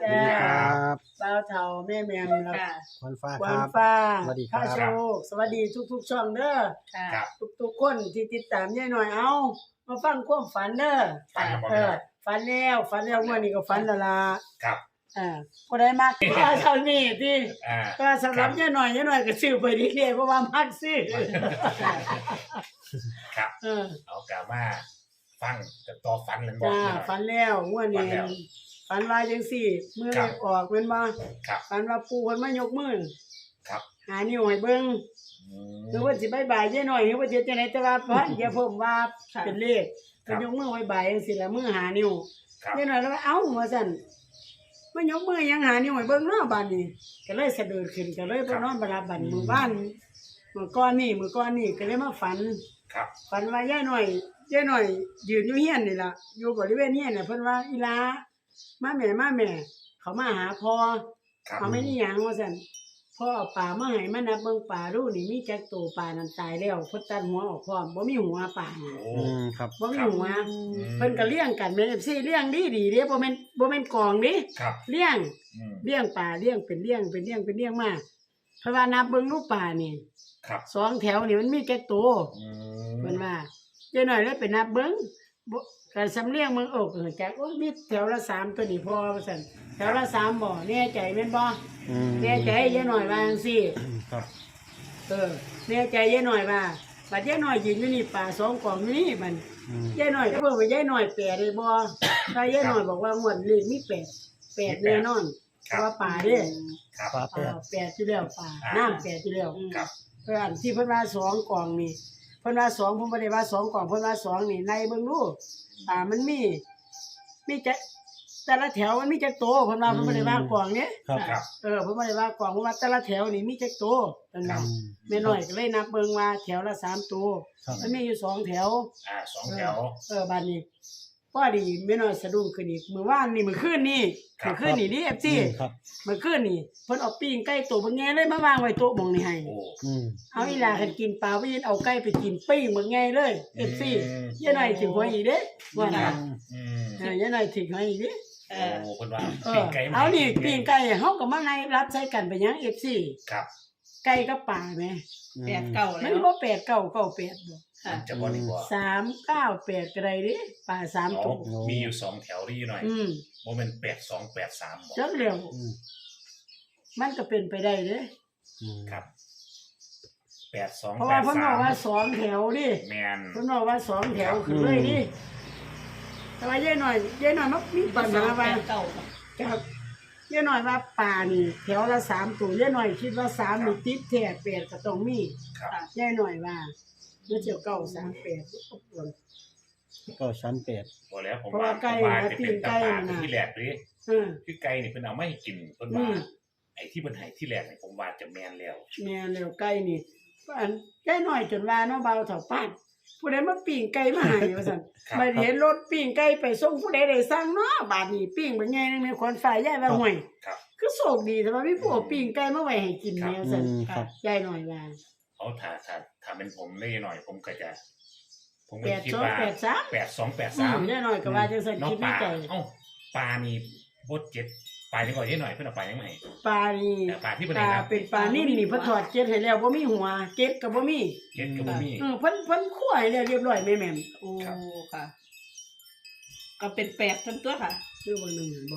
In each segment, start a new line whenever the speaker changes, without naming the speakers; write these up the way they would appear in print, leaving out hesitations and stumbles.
จ้า
ครับ
บ่าวเฒ่าแม่แม่มแล้ว
ค่ะ
ควันฟ้า
ค
คว
า
รั
ม
บ
ฟ้า
สวัสดีครับ
ข้าโชคสวัสดีทุกๆช่องเด้อ
ค่ะ
ครับ
ทุกๆคนที่ติดตามยายหน่อยเอามาฟังความฝันเด้อ
ฝันแล้วบ่
เอ
แม่
อฝันแล้วงวดนี้ก็ฝันแล้วล่ะ
ครับ
บ่ได้มักว่าเท่านี้ที่
อ่า
ก็สำหรับยายหน่อยก็ซื้อไปดีๆเพราะว่ามักซื้อ
ครับ
เออ
เอากล่าวว่าฟังแต่ต่อฝันเลยบอก
จ้า
หน่อย
ฝันแล้วงวดนี้
ฝันแล้ว
ฝันว่าจังซี่มื้อ
ครั
เล
บ
ขออกแม่นบ่
ครับ
ฝันว่าปู่เพิ่นมายกมือ
ครับ
หานิ้วให้เบิ่ง
อืม
หรือว่าสิบายบายยายหน่อยหรือว่าจะจังไดแต่ว่าพันอย่าผมว่า
ค่ะ
เป็นเลข
ครั
ก็
บ
ยกมือไว้บายจังซี่ละมือหานิ้ว
ครับ
ยายหน่อยแล้วว่าเอ้าว่าซั่นมันยกมือยังหานิ้วให้เบิ่งเนาะบัดนี้ก็เลยสะดุดขึ้นก็เลยไปนอนบ่หลับบัดมื้อบ้านมื้อก่อนนี่ก็เลยมาฝัน
ครับ
ฝันว่ายายหน่อยยืนอยู่เฮียนนี่ล่ะอยู่บริเวณเฮียนน่ะเพิ่นว่าอีหลามาแม่เขามาหาพ่อ
ครับ
เขาไม่ได้หยังว่าซั่นพ่อเอาป่ามาให้มานับเบิ่งป่าดูนี่มีจักตัวป่านั้นตายแล้วเพิ่นตัดหัวออกพร้อมบ่มีหัวป่า
โอ้
ครับ
บ่มีหัว
ม
เพิ่นก็เลี้ยงกันแม่น FC เลี้ยงดีเด้บ่แม่นกองเด้
ครับ
เลี้ยง
อืม
เลี้ยงป่าเลี้ยงเป็นเลี้ยงมาเพราะว่านับเบิ่งรูปป่านี่
ครับ
สองแถวนี่มันมีจักตัว
อืม
เพิ่นว่าเจ้าหน่อยเลยไปนับเบิ่งบ่ก็สำเลียงเมืองอกจักโอ้ยมีแถวละ3ตัวนี่พอว่าซั่นแถวละ3บ่แน่ใจแม่นบ่ แน่ใจยายหน่อยว่าจังซี่
ครับ
แน่ใจยายหน่อยว่าบัดยายหน่อยยืนอยู่นี่ป่าสองกองอยู่นี่มัน
อืม
ยายหน่อยก็บอกว่ายายหน่อยแปดได้บ่ถ้ายายหน่อยบอกว่างวดเลขมีแปดแน่นอนเพ
ครับ
ราะว่าป่าเด้
ครับ
ฟ้าแปด
แปดอยู่แล้วป่าน้ำแปดอยู่แล้ว
ครับ
เพิ่นอันที่เพิ่นว่าสองกองนี่เพิ่นว่าสองผมบ่ได้ว่าสองกองเพิ่นว่าสองนี่ในเบิ่งดูมันมีจักแต่ละแถวมันมีจักโตเพิ่นว่าเพิ่นบ่ได้ว่ากองเนี้ย
ครับ
ครับ
เพิ่นบ่ได้ว่ากองเพิ่นว่าแต่ละแถวนี่มีจักโตเพิ่น
ครั
ว่า
บ
แม่น้อยก็เลยนับเบิ่งว่าแถวละ3ตัว
ครับ
มันมีอยู่2แถว
สองแถว
บัดนี้พอดีแม่น้อยสะดุ้งขึ้นอีกมื้อวานนี่มื้อคืนนี่
ครับ
มื้อคืนนี่ดิ FC
ครับ
มื้อคืนนี่เพิ่นเอาปิ้งไก่ตัวบักแง่เลยมาวางไว้โต๊ะหม่องนี่ให้
โอ้
อืม
เอาอีหลาคันกินปลาบ่ยินเอาไก่ไปกินปิ้งบักแง่เลย FC ยายน้อยถึงหัวอีกเด้ว่าน่ะ
อืม
ยายน้อยถึงหัวอีกเด้
เอ
โอ้
อ
คนว่า
เอ
ปิ้
อง
ไก่มา
เอานี่ปิ้งไก่เฮาก็มาให้รับใช้กันไปหยัง FC
ครับ
ไก่กับปลาแหม
แปดเก่า
มั
แล้
น
ว
บ่8 9 9 8บ่
ค่ะ
มันจะบ่ดีกว่า
3 9 8ก็ได้เด้ปลา3ตัว
มีอยู่สองแถวที่หน่อย โมเมนต์8283บอก
จักแล้ว
อืม
มันก็เป็นไปได้เด้
อืม
ครับ8283
เพราะว่าเพิ่นบอกว่าสองแถวดิ
แมน
เพิ่นบอกว่าสองแถวคือเลยดิแต่ว่ายายหน่อยมักมีปัญหาว่า
เก่า
ครับยายหน่อยว่าป่านี่แถวละ3ตัวยายหน่อยคิดว่า3นี่ติดแท้8ก็ต้องมี
ครับ
ยายหน่อยว่ามันเจียวเก้า38
ก็ชั้นแปด
บ่แล้วผม
เพราะว่าไก่
ผมว่า
นะ
จะ
ตี
เป็น
นไก่
ตาปา
น่ะ
ที่แรกเลย
เออ
คือไก่นี่เพิ่นเอามาให้กินเพิ่น
อื
ว่าม ไอ้ที่เพิ่นให้ที่แรกนี่ผมว่าจะแม่นแล้ว
แม่แล้วไก่นี่อันยายหน่อยจนว่าเนาะเบาเฒ่าปานผู้ใดมาปิ้งไก่มาให้ว่าซั่น
ครับ
มาเห็นรถปิ้งไก่ไปส่งผู้ใดได้สั่งเนาะบาดนี้ปิ้งบ่ใหญ่นึงในขวัญฝ่ายยายว่าห่วย
ครับ
คือโชคดีแต่ว่ามีผู้เอาปิ้งไก่มาไว้ให้กินแนว
อื
ซั่น
มครับ
ยายหน่อยว่า
เอาถ้าเป็นผมได้หน่อย ผมก็จะ ผมก็
8
คิด
2
ว่า
8 3
8283
ยายหน่อยก็ว่าจังซั่น
น้อง
คิดใน
ปลา
ใจ
เอ้าปลานี่บดเจ็ดปลานี่ก่อนนิดหน่อยเพิ่นเอาปลายังไง
ปลานี่
แต่ปลาที่เพิ่น
ป
ให้
ลา
รับ
เป็นปลานิ่มนี่เพิ่นทอดเกล็ดให้แล้วบ่มีหัวเกล็ดก็บ่มี
เจ็ดก็บ่มี
เพิ่นคั่วให้แล้วเรียบร้อยแม่แม่ม
โอ้ค่ะ ก็เป็นแปดทั้งตัวค่ะ
คือว่าหนึ่งบ่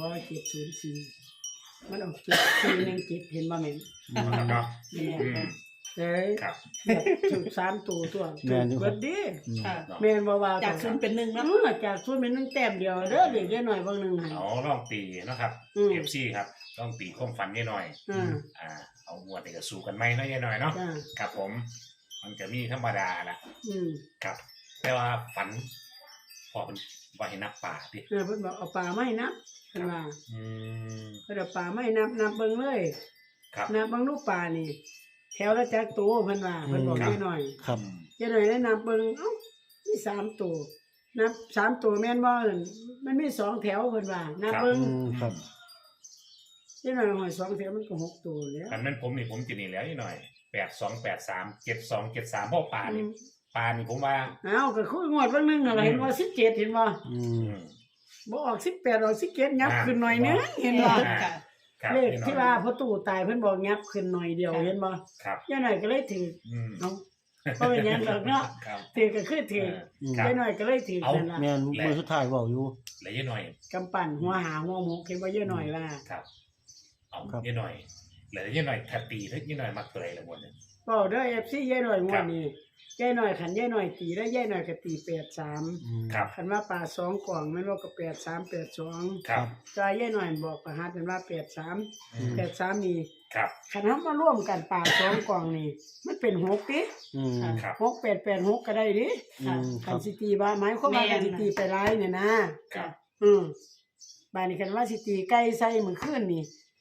704มันเอา717เห็นบ่แม่น
ครับเนาะ
แม่
อืม
เอ้ย
ครับ
ถูก3ตัวตัว
แม่นอยู่ครับ
เบิดดิ
อืม
ค่ะ
เนาะ
แม่นบ่ว่า
จากศูนย์เป็นหนึ่ง
เอ
แล้ว
อจากศูนย์เป็น1แต้มเดียวเด้อเด็กน้อยเบิ่งหนึงให้
เอาลองตีเนาะครับ
อืม
FC ครับลองตีความฝันนิดหน่อย
อ่า
เอางวดนี้ก็สู้กันไหมเนาะยายหน่อยเนาะ
จ้า
ครับผม มันจะมีธรรมดาละ
อืม
ครับ แต่ว่าฝัน พอเป็นว่าให้นับป่าดิ
เพิ่นบอกเอาปลาไม้นับเพิ่นว่า
อืม
เพิ่นเอาปลาไม้นับเบิ่งเลย
ครับ
นับเบิ่งลูกปลานี่ แถวละจักตัวเพิ่นว่าเพิ่นบอก
ครับ
ยายหน่อย
ครับ
ยายหน่อยได้นับเบิ่งเอ้ามี3ตัวนับ3ตัวแม่นบ่นั่นมันมี2แถวเพิ่นว่านับเบิ่ง
อืมครับ
ยายหน่อยหอย2แถวมันก็6ตัวแล้ว
คันแม่นผมนี่ผมจะนี่แล้วนิดหน่อย8283 7273เพราะป่านี่ป่านี่ผมว่า
อ้าวก็คืองวดเบิ่งนึงอะไรเห็นบ่17เห็นบ่
อื
อื
ม
ม
บ่ออก18ออก17ยับขึ้นหน่อยนึงเห็นบ่
ค่ะ
ครับ
เลข
ยายหน่อย
ที่ว่าพ่อตู่ตายเพิ่นบอกยับขึ้นหน่อยเดียวเห็นบ่
ครับ
ยายหน่อยก็เลยถือ
อืม
เนาะบ่เป็นหยังดอกเนาะ
ครับ
ถือก็คือถือ
ครับ
ยายหน่อยก็เลยถือ
เอา
นั่นล่ะ
แม่นมือสุดท้ายเว้าอยู่
แล้วยายหน่อย
กำปั้นหัวหาหัวหมกเห็นบ่ยายหน่อยว่า
ครับ เอา
ครับ
ยายหน่อยแล้วยายหน่อยถ้าตีแล้วยายหน่อยมักตัวใดละงวดนี้
เว้าเด้อ FC ยายหน่อยงวดนี้ยายหน่อยคันยายหน่อยตีได้ยายหน่อยก็ตี83
ครับ
คันว่าปลา2กล่องแม่นว่าก็8382
ครับ
จอยยายหน่อยบอกประหัสเป็นว่า83
อืม
83นี่
ครับ
คันเฮามาร่วมกันปลา2กล่องนี่มันเป็น6ติ
อืม
ครับ
6886ก็ได้ดิ
อืมค
คั
รั
น
บ
สิตีว่าหมายความว่าคันสิตีไปหลายเนี่ยนะครับ บาดนี้คันว่าสิตีไก่ใส่มื้อคืนนี่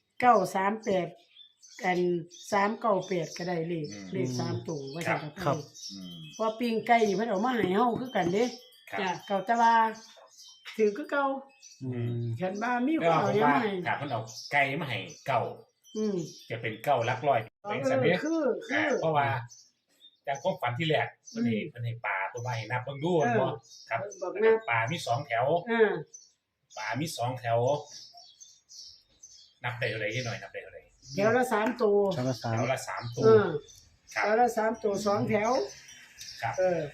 938กัน398ก็ได้เลข3ตัวว่าซั่น
ครับ
อืม
เพราะปิ้งไก่นี่เพิ่นเอามาให้เฮาคือกันเด้
ครับ
จ้ะ
เก่าแต่ว่าถือคือเก่า
อืม
คันว่ามีค
ก็
นเอา
ผม
หยัง
ว่า
มาให้
ถ้าเพิ่นเอาไก่มาให้เก่า
อืม
จะเป็นเก่าหลักร้อยเป็นสันนี้
คือ
เพราะว่าจากความฝันที่แรกเพิ่นให้ปลาตัวใหม่นับเบิ่งดูบ่ครับ
บอก
แล้ว
นะ
ก็ปลามี2แถว ปลามี2แถว นับได้เท่าใดหน่อยนับได้เท่าใด
แถวละ3ตัว
ชาวละ
แถวละ3ตัว ครั
แถ
บ
วละ3ตัว2แถว
ครับ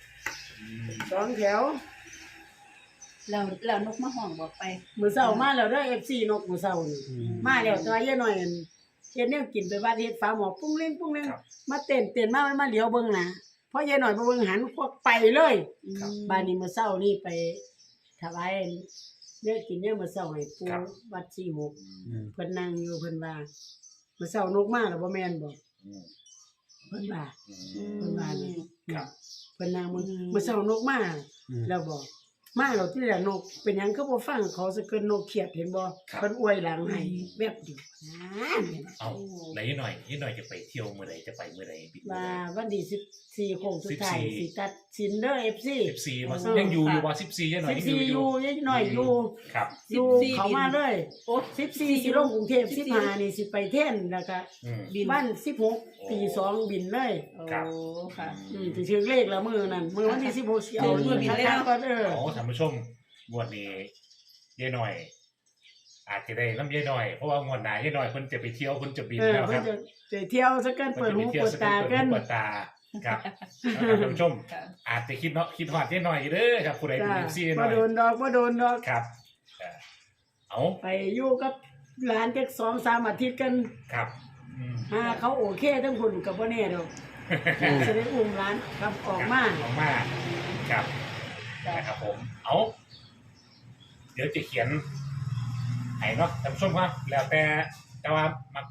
2แถว
แล้วนกมาห้องบอกไป
มื้อเช้ามาแล้วเด้อ FC นกมื้อเช้านี่
อืม
มาแล้วตัวเยอะหน่อยอั่นเฮ็ดแนวกินไปบ้านเฮ็ดฟ้าหมอปุ้งเล่งปุ้งเล่ง
ครับ
มาเต้นมามันมาเหลียวเบิ่งหน้าพอเยอะหน่อยไปเบิ่งหันพวกไปเลย
ครับ
บ้านนี้มื้อเช้านี่ไปถวายเนื้อกินเนี่ยมื้อเช้าให้ปู่
ครับ
วัด46
อืม
เพิ่นนั่งอยู่เพิ่นว่ามื้อเช้านกมาแล้วบ่แม่นบ่
อืม
เพิ่นว่า
อื
เพิ่น
ม
ว่านี่
ครับ
เพิ่นนั่งมื้อเช้านกมา
อืม
แล้วบอกมาแล้วที่แรกนกเป็นหยังคือบ่ฟังเขาซะเกินนกเขียดเห็นบ่เพิ่นอวยหลังให้แบบเดียวนะ
เอาแล้วยายหน่อยจะไปเที่ยวมื้อใดจะไปมื้อใดปิดมื้อ
ว่า
ใด
วันที่14โค้งสุดท้าย
14
สิตัดสินเด้อ FC
14บ่ยังอยู่บ่14ยายหน่อยยัง
14อยู่ยังหน่อยอยู่
ครับ
อยู่เขามาเลย
โอ้
14สิลงกรุงเทพ15นี่สิไปเท่นแล้วก็
อืม
บินวัน16ตี2บินเลย
ครับ
โอ้ค่ะ
สิถึงเลขแล้วมื้อนั้นมื้อวันที่16สิเอา
มื้อบินเลยเนาะ
ก่อน
โอ้ท่านผู้ชมงวดนี้ยายหน่อย อาจจะได้น้ำยายหน่อยเพราะว่างวดหน้ายายหน่อยเพิ่นจะไปเที่ยวเพิ่นจะบินแล้วค
เพิ่
รั
น
บ
จะไปเที่ยวซะกัน
เพิ่
เปิ
น
ด
จะไป
หู
เที่ยว
เปิด
ส
ตา
เปิ
กั
ด
น
หูเปิดตาครับแล้วท่านผู้ชม
ค่ะ
อาจจะคิดฮอดยายหน่อยเด้อครับผู้ใดเป็น
จ้า
FC ยายห
บ่
น่อย
โดนดอกบ่โดนดอก
ครับเอา
ไปอยู่กับหลานจัก2-3อาทิตย์กัน
ครับอืม
หาเขาโอเคทั้งพุ่นก็บ่แน่ดอกจะได้อุ้มหลานกลับออกมา
ออกมาครับนะครับผม เอาเดี๋ยวจะเขียนให้เนาะท่านผู้ชมครับแล้วแต่ว่ามา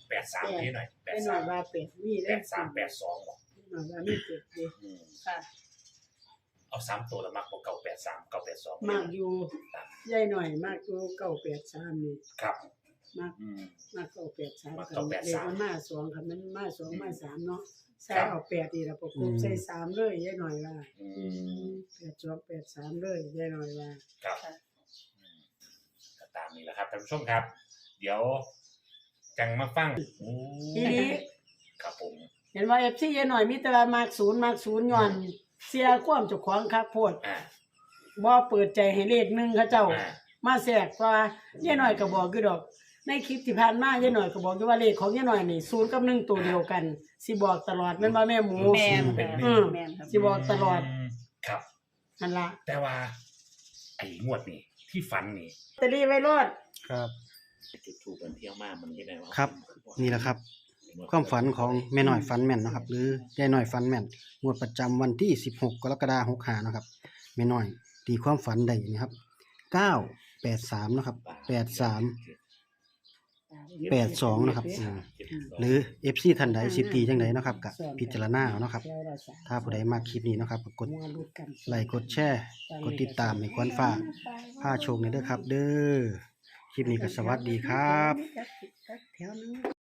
83นี่หน่อย
เป็นหน่อยว่าเป็ดมีได้
83 82บ่
หน่อยว่ามีเป็ดดิ
อืม
ค่ะ
เอา3ตัวแล้วมักบ่983 982
มากอยู่ใหญ่หน่อยมากอยู่983นี่
ครับ
มาก
อืม
มาก983
มาก
คัน
983
เลขมันมา2คันมันมา2มา3เนาะใส่
ครับ
เอา8นี่ล่ะประกบใส่3เลยใหญ่หน่อยว่า
อืม
8283เลยใหญ่หน่อยว่า
ครับ
ค่ะ
อืมก็ตามนี้แหละครับท่านผู้ชมครับ เดี๋ยวจังมาฟังโอ้
ทีนี้
ครับผม
เห็นว่า FC ใหญ่หน่อยมีแต่ว่ามาก0ย้อนเสียความเจ้าของคักโพด
อ่า
บ่เปิดใจให้เลขหนึงเขาเจ้า
อ่า
มาแทรกว่ายายหน่อยก็บอกอยู่ดอก ในคลิปที่ผ่านมายายหน่อยก็บอกอยู่ว่าเลขของยายหน่อยนี่0กับ1ตัวเดียวกันสิบอกตลอดแม่นบ่แม่หมู
แม่น
เป็น
ค่ะ
หนึ่ง
แม่นครับ
สิบอกตลอด
มครับ
นั่นล่ะ
แต่ว่า ไอ้งวดนี่ที่ฝันนี่
ตะลีไว้รอด
ครับ
จุดถูกกันเที่ยวมากมันยังไงวะ
ครับ นี่แหละครับ ความฝันของแม่น้อยฝันแม่นเนาะครับ หรือยายน้อยฝันแม่นงวดประจำวันที่16กรกฎาคม65เนาะครับแม่น้อยตีความฝันได้นะครับ983เนาะครับ83 82นะครับหรือ FC ท่านใดสิตีจังไดเนาะครับก็พิจารณาเอาเนาะครับ ถ้าผู้ใดมักคลิปนี้เนาะครับก็กดไลค์กดแชร์กดติดตามให้ควรฟ้าผ้าโชคนี่เด้อครับ เด้อคลิปนี้ก็สวัสดีครับ
แถวนึง